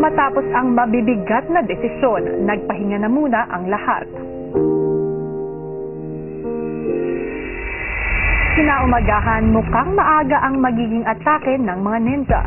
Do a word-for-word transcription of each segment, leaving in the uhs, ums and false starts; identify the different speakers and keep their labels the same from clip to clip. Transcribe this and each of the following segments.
Speaker 1: Matapos ang mabibigat na desisyon, nagpahinga na muna ang lahat. Kinaumagahan, mukhang maaga ang magiging atake ng mga ninja.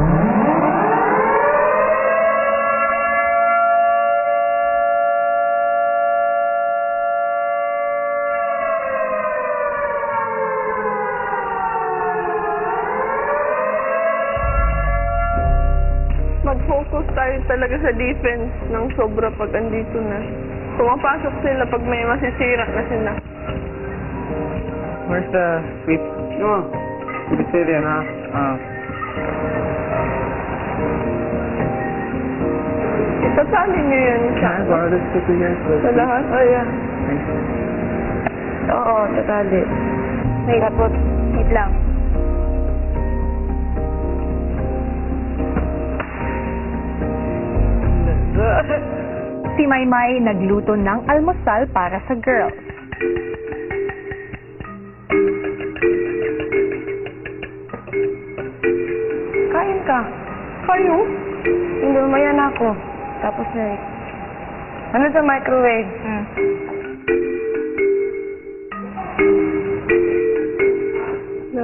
Speaker 2: Mag-focus tayo talaga sa defense ng sobra pag andito na. Pumapasok sila pag may masisira na sila.
Speaker 3: Where's the sweep? No. It's here, huh? Uh.
Speaker 2: Isasali niyo yun sa,
Speaker 3: Can I borrow this sticker here?
Speaker 2: sa lahat. Oh, yeah.
Speaker 3: Thanks.
Speaker 2: Oo, tatali.
Speaker 1: Wait, tapos, wait lang. Si Maymay nagluto ng almusal para sa girls.
Speaker 2: Kain ka. Kayo?
Speaker 4: Hindi, umaya na ako. Tapos na eh. Ano sa microwave?
Speaker 1: Hmm.
Speaker 2: No.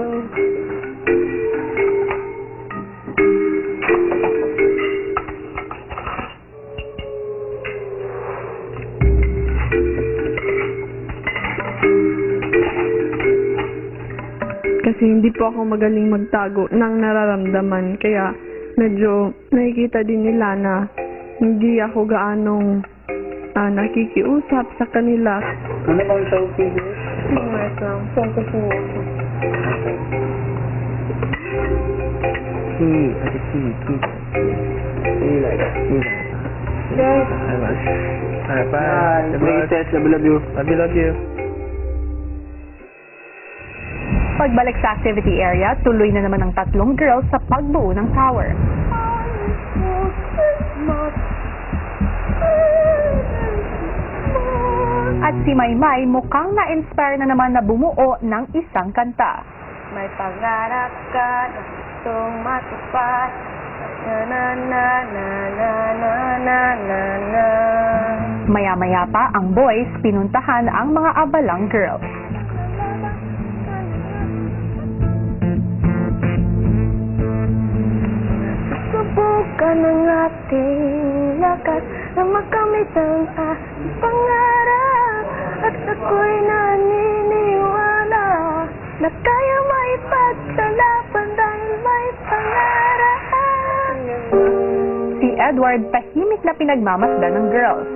Speaker 2: Kasi hindi po ako magaling magtago ng nararamdaman. Kaya medyo nakikita din nila na hindi ako gaanong ah, nakikiusap sa kanila.
Speaker 3: Ano bang selfie here?
Speaker 2: Wait lang. Saan ko siya?
Speaker 3: See, I can see you. See, see like that. See like that.
Speaker 2: Yes.
Speaker 3: Alright, bye. Bye. Love you, love you. Love you, love you.
Speaker 1: Pagbalik sa activity area, tuloy na naman ang tatlong girls sa pagbuo ng tower. At si Maymay mukhang na-inspire na naman na bumuo ng isang kanta.
Speaker 4: May pangarap ka na gustong matupad. Na na na na na na na na na.
Speaker 1: Maya-maya pa ang boys pinuntahan ang mga abalang girls.
Speaker 4: Subukan ang ating lakas na makamit ang ating pangarap. At ako'y naniniwala na kaya maipagsalapan dahil may pangarap.
Speaker 1: Si Edward tahimik na pinagmamasdan ng girls.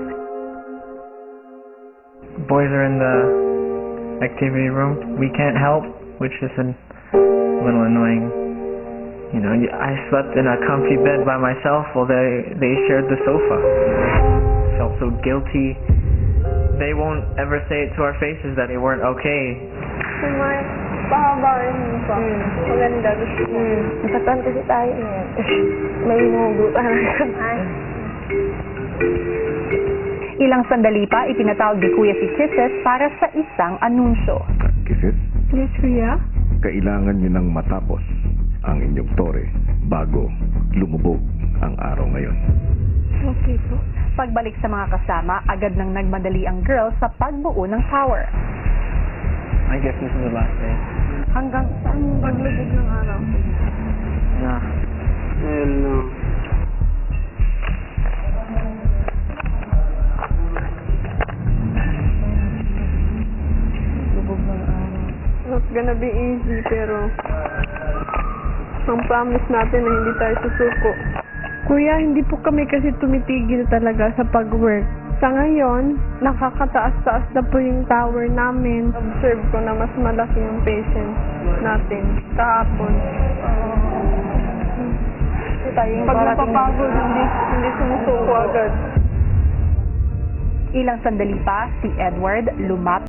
Speaker 3: Boys are in the activity room. We can't help, which is a little annoying. You know, I slept in a comfy bed by myself while they, they shared the sofa. Felt so guilty. They won't ever say it to our faces that they weren't okay.
Speaker 2: May pahabain mo pa. Maganda. Gusto mo.
Speaker 4: Hmm. Nasaktan kasi tayo eh. May humugutan ng kamay.
Speaker 1: Ilang sandali pa, ipinatawag ni Kuya si Kisses para sa isang anunsyo.
Speaker 5: Kisses,
Speaker 2: Yes, Kuya?
Speaker 5: kailangan nyo nang matapos ang inyong tore bago lumubog ang araw ngayon.
Speaker 2: Okay po.
Speaker 1: Pagbalik sa mga kasama, agad nang nagmadali ang girls sa pagbuo ng tower.
Speaker 3: I guess this is the last day.
Speaker 4: Hanggang saan yung paglubog ng araw?
Speaker 3: Nah. Hello.
Speaker 4: Lubog ng araw.
Speaker 2: Not gonna be easy, pero ang promise natin na hindi tayo susuko. Kuya, hindi po kami kasi tumitigil talaga sa pag-work. Sa ngayon, nakakataas-taas na po yung tower namin. Observe ko na mas malaki yung patience natin kahapon. Pag napapagod, hindi, hindi sumusuko agad.
Speaker 1: Ilang sandali pa, si Edward lumapit